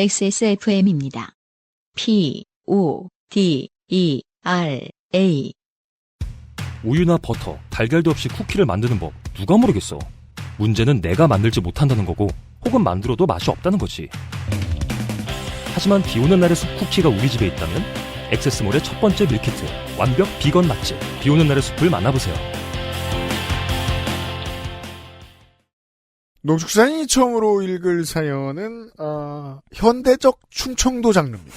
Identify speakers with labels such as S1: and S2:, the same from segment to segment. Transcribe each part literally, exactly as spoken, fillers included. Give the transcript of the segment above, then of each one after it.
S1: 엑스에스에프엠입니다. P, O, D, E, R, A.
S2: 우유나 버터, 달걀도 없이 쿠키를 만드는 법 누가 모르겠어. 문제는 내가 만들지 못한다는 거고 혹은 만들어도 맛이 없다는 거지. 하지만 비오는 날의 숲 쿠키가 우리 집에 있다면 액세스몰의 첫 번째 밀키트 완벽 비건 맛집 비오는 날의 숲을 만나보세요.
S3: 농축산인이 처음으로 읽을 사연은 어, 현대적 충청도 장르입니다.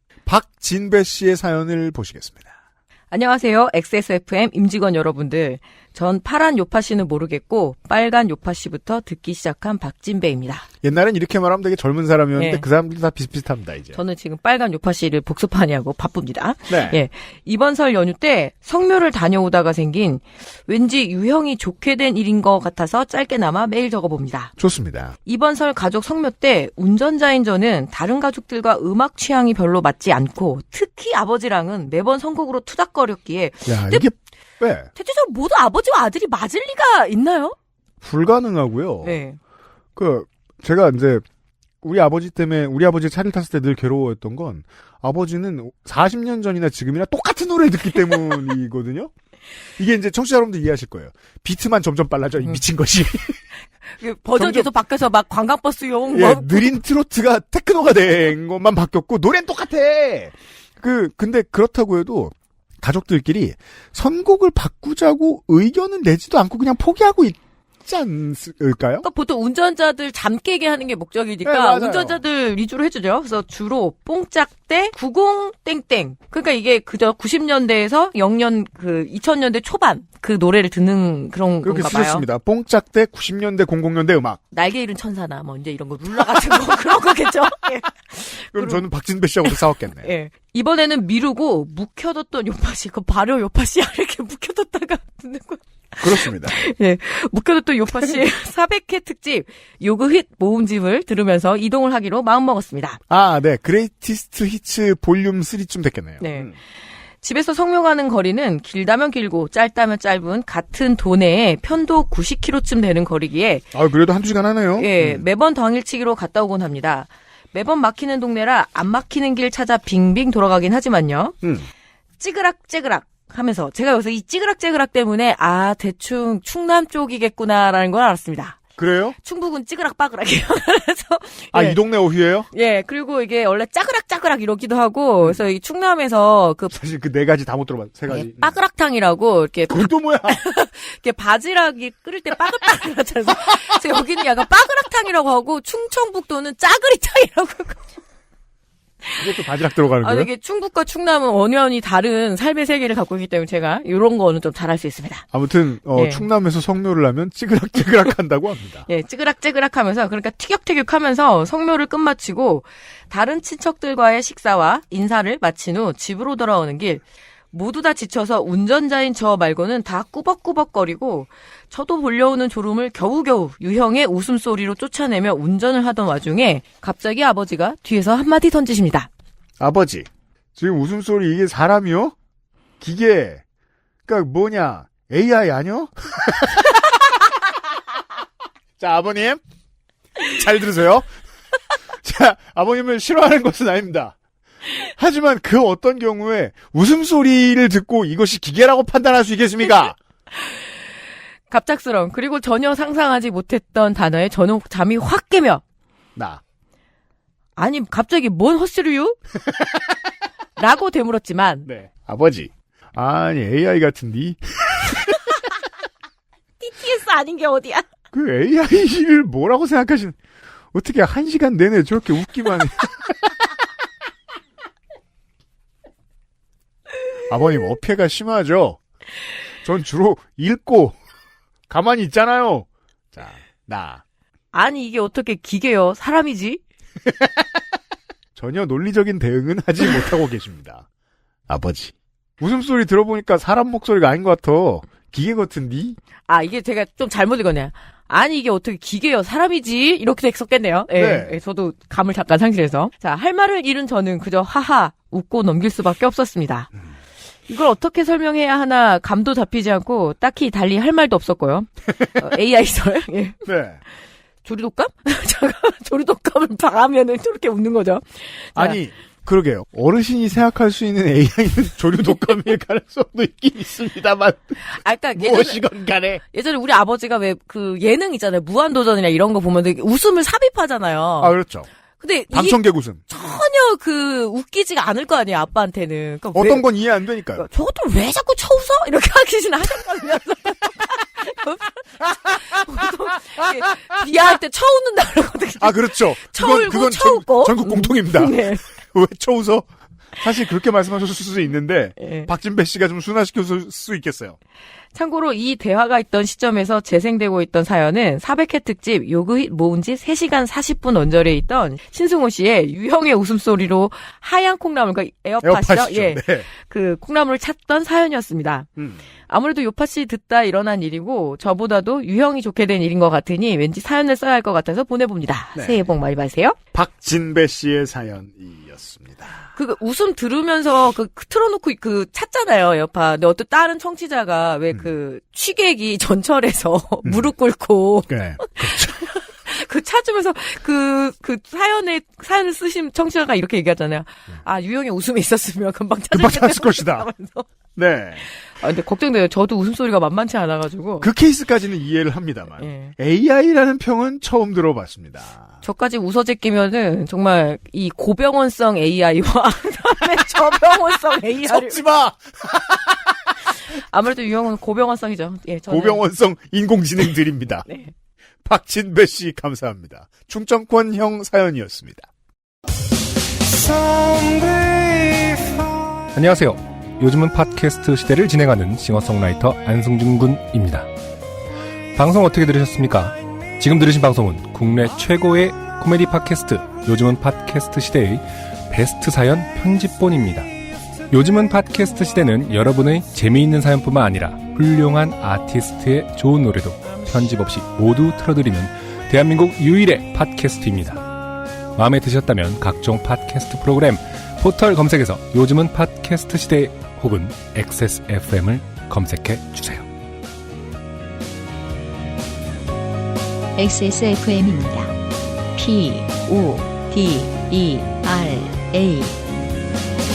S3: 박진배 씨의 사연을 보시겠습니다.
S4: 안녕하세요. 엑스에스에프엠 임직원 여러분들. 전 파란 요파씨는 모르겠고 빨간 요파씨부터 듣기 시작한 박진배입니다.
S3: 옛날엔 이렇게 말하면 되게 젊은 사람이었는데
S4: 네.
S3: 그 사람들 다 비슷비슷합니다. 이제.
S4: 저는 지금 빨간 요파씨를 복습하니 하고 바쁩니다.
S3: 네.
S4: 예. 이번 설 연휴 때 성묘를 다녀오다가 생긴 왠지 유형이 좋게 된 일인 것 같아서 짧게나마 메일 적어봅니다.
S3: 좋습니다.
S4: 이번 설 가족 성묘 때 운전자인 저는 다른 가족들과 음악 취향이 별로 맞지 않고 특히 아버지랑은 매번 선곡으로 투닥거렸기에
S3: 야,
S4: 근데
S3: 이게 왜?
S4: 대체적으로 모두 아버지와 아들이 맞을 리가 있나요?
S3: 불가능하고요.
S4: 네.
S3: 그 제가 이제 우리 아버지 때문에 우리 아버지 차를 탔을 때 늘 괴로워했던 건 아버지는 사십 년 전이나 지금이나 똑같은 노래를 듣기 때문이거든요. 이게 이제 청취자 여러분들 이해하실 거예요. 비트만 점점 빨라져 이 미친 것이.
S4: 버전
S3: 점점,
S4: 계속 바뀌어서 막 관광버스용
S3: 예,
S4: 뭐
S3: 느린 트로트가 테크노가 된 것만 바뀌었고 노래는 똑같아. 그 근데 그렇다고 해도 가족들끼리 선곡을 바꾸자고 의견은 내지도 않고 그냥 포기하고 있지 않을까요?
S4: 그러니까 보통 운전자들 잠 깨게 하는 게 목적이니까
S3: 네, 맞아요.
S4: 운전자들 위주로 해주죠. 그래서 주로 뽕짝대 구십 땡땡. 그러니까 이게 그저 구십 년대에서 영년 그 이천 년대 초반 그 노래를 듣는 그런
S3: 그렇게
S4: 건가 봐요.
S3: 쓰셨습니다. 뽕짝대 구십 년대 공공 년대 음악.
S4: 날개 잃은 천사나 뭐 이제 이런 거 룰라 같은 거 그런 거겠죠. 예.
S3: 그럼 저는 박진배 씨하고도 싸웠겠네.
S4: 예. 이번에는 미루고 묵혀뒀던 요파시, 그 발효 요파시 이렇게 묵혀뒀다가 듣는 거.
S3: 그렇습니다.
S4: 예. 묵혀뒀던 요파시 사백 회 특집 요그힛 모음집을 들으면서 이동을 하기로 마음먹었습니다.
S3: 아, 네. 그레이티스트 히츠 볼륨 삼쯤 됐겠네요.
S4: 네.
S3: 음.
S4: 집에서 성묘 가는 거리는 길다면 길고 짧다면 짧은 같은 도내에 편도 구십 킬로미터쯤 되는 거리기에
S3: 아, 그래도 한두 시간 하네요.
S4: 예,
S3: 음.
S4: 매번 당일치기로 갔다 오곤 합니다. 매번 막히는 동네라 안 막히는 길 찾아 빙빙 돌아가긴 하지만요.
S3: 음.
S4: 찌그락찌그락 하면서 제가 여기서 이 찌그락찌그락 때문에 아 대충 충남 쪽이겠구나라는 걸 알았습니다.
S3: 그래요?
S4: 충북은 찌그락빠그락이에요. 그래서
S3: 아,
S4: 예.
S3: 이 동네 오휘예요?
S4: 예, 그리고 이게 원래 짜그락짜그락 이러기도 하고 그래서 이 충남에서 그
S3: 사실 그 네 가지 다 못 들어봤, 세 가지.
S4: 예, 빠그락탕이라고 이렇게
S3: 그건 또 뭐야?
S4: 이렇게 바지락이 끓일 때 빠글빠글 하잖아요. 그래서 여기는 약간 빠그락탕이라고 하고 충청북도는 짜그리탕이라고 하고.
S3: 이것도 바지락 들어가는
S4: 아,
S3: 거예요?
S4: 이게 충북과 충남은 원연이 다른 삶의 세계를 갖고 있기 때문에 제가 이런 거는 좀 잘할 수 있습니다.
S3: 아무튼 어,
S4: 예.
S3: 충남에서 성묘를 하면 찌그락찌그락 한다고 합니다.
S4: 예, 찌그락찌그락 하면서 그러니까 티격태격 하면서 성묘를 끝마치고 다른 친척들과의 식사와 인사를 마친 후 집으로 돌아오는 길 모두 다 지쳐서 운전자인 저 말고는 다 꾸벅꾸벅거리고 저도 몰려오는 졸음을 겨우겨우 유형의 웃음소리로 쫓아내며 운전을 하던 와중에 갑자기 아버지가 뒤에서 한마디 던지십니다.
S3: 아버지, 지금 웃음소리 이게 사람이요? 기계. 그니까 뭐냐, 에이아이 아니요? 자, 아버님. 잘 들으세요. 자, 아버님을 싫어하는 것은 아닙니다. 하지만 그 어떤 경우에 웃음소리를 듣고 이것이 기계라고 판단할 수 있겠습니까?
S4: 갑작스러운 그리고 전혀 상상하지 못했던 단어에 저는 잠이 확 깨며
S3: 나.
S4: 아니 갑자기 뭔 헛소리유? 라고 되물었지만
S3: 네. 아버지. 아니 에이아이 같은디?
S4: 티티에스 아닌 게 어디야?
S3: 그 에이아이를 뭐라고 생각하시는 어떻게 한 시간 내내 저렇게 웃기만 해. 아버님 어폐가 심하죠? 전 주로 읽고 가만히 있잖아요. 자, 나.
S4: 아니 이게 어떻게 기계요? 사람이지?
S3: 전혀 논리적인 대응은 하지 못하고 계십니다. 아버지. 웃음소리 들어보니까 사람 목소리가 아닌 것 같아. 기계 같은디?
S4: 아 이게 제가 좀 잘못 읽었네요. 아니 이게 어떻게 기계요? 사람이지? 이렇게 됐었겠네요. 예,
S3: 네.
S4: 예, 저도 감을 잠깐 상실해서. 자, 할 말을 잃은 저는 그저 하하 웃고 넘길 수밖에 없었습니다. 이걸 어떻게 설명해야 하나 감도 잡히지 않고 딱히 달리 할 말도 없었고요. 어, 에이아이설. 예.
S3: 네.
S4: 조리독감? 제가 조리독감을 당하면은 저렇게 웃는 거죠. 자,
S3: 아니, 그러게요. 어르신이 생각할 수 있는 에이아이는 조류 독감일 가능성도 있긴 있습니다만.
S4: 아, 그러니까 예전에,
S3: 무엇이건 간에.
S4: 예전에 우리 아버지가 왜 그 예능 있잖아요. 무한도전이나 이런 거 보면 되게 웃음을 삽입하잖아요.
S3: 아, 그렇죠.
S4: 근데
S3: 방청객 웃음.
S4: 전혀 그 웃기지가 않을 거 아니에요, 아빠한테는. 그러니까
S3: 어떤
S4: 왜,
S3: 건 이해 안 되니까요.
S4: 그러니까 저것도 왜 자꾸 쳐웃어? 이렇게 하기는 하셨거든요. 보통 비하할 때 쳐웃는다 그러거든요.
S3: 아, 그렇죠.
S4: 쳐울고
S3: 그건, 그건
S4: 쳐웃고.
S3: 전, 전국 공통입니다.
S4: 네.
S3: 왜 쳐웃어? 사실 그렇게 말씀하셨을 수도 있는데
S4: 네.
S3: 박진배 씨가 좀 순화시켰을 수 있겠어요.
S4: 참고로 이 대화가 있던 시점에서 재생되고 있던 사연은 사백 회 특집 요그힛 모은 지 세 시간 사십 분 언저리에 있던 신승호 씨의 유형의 웃음소리로 하얀 콩나물, 그러니까 에어팟이요?
S3: 에어팟이죠.
S4: 예.
S3: 네.
S4: 그 콩나물을 찾던 사연이었습니다.
S3: 음.
S4: 아무래도 요파 씨 듣다 일어난 일이고 저보다도 유형이 좋게 된 일인 것 같으니 왠지 사연을 써야 할 것 같아서 보내봅니다.
S3: 네.
S4: 새해 복 많이 받으세요.
S3: 박진배 씨의 사연이었습니다.
S4: 그 웃음 들으면서 그 틀어놓고 그 찾잖아요, 에어팟. 근데 어떤 다른 청취자가 왜 그 취객이 전철에서
S3: 음.
S4: 무릎 꿇고
S3: 네. 그렇죠.
S4: 그 찾으면서 그, 그 사연에, 사연을 쓰신 청취자가 이렇게 얘기하잖아요. 아, 유형의 웃음이 있었으면 금방 찾을
S3: 금방 찾을 것이다.
S4: 하면서.
S3: 네.
S4: 아, 근데 걱정돼요. 저도 웃음소리가 만만치 않아가지고.
S3: 그 케이스까지는 이해를 합니다만
S4: 예.
S3: 에이아이라는 평은 처음 들어봤습니다.
S4: 저까지 웃어제끼면은 정말 이 고병원성 에이아이와 그다음에 저병원성 에이아이를
S3: 섞지 마!
S4: 아무래도 유형은 고병원성이죠. 예, 저는
S3: 고병원성 인공지능 드립니다.
S4: 네.
S3: 박진배 씨 감사합니다. 충청권형 사연이었습니다.
S5: 안녕하세요. 요즘은 팟캐스트 시대를 진행하는 싱어송라이터 안승준 군입니다. 방송 어떻게 들으셨습니까? 지금 들으신 방송은 국내 최고의 코미디 팟캐스트 요즘은 팟캐스트 시대의 베스트 사연 편집본입니다. 요즘은 팟캐스트 시대는 여러분의 재미있는 사연뿐만 아니라 훌륭한 아티스트의 좋은 노래도 편집 없이 모두 틀어드리는 대한민국 유일의 팟캐스트입니다. 마음에 드셨다면 각종 팟캐스트 프로그램 포털 검색에서 요즘은 팟캐스트 시대 혹은 엑스에스에프엠을 검색해 주세요.
S1: 엑스에스에프엠입니다. P, O, D, E, R, A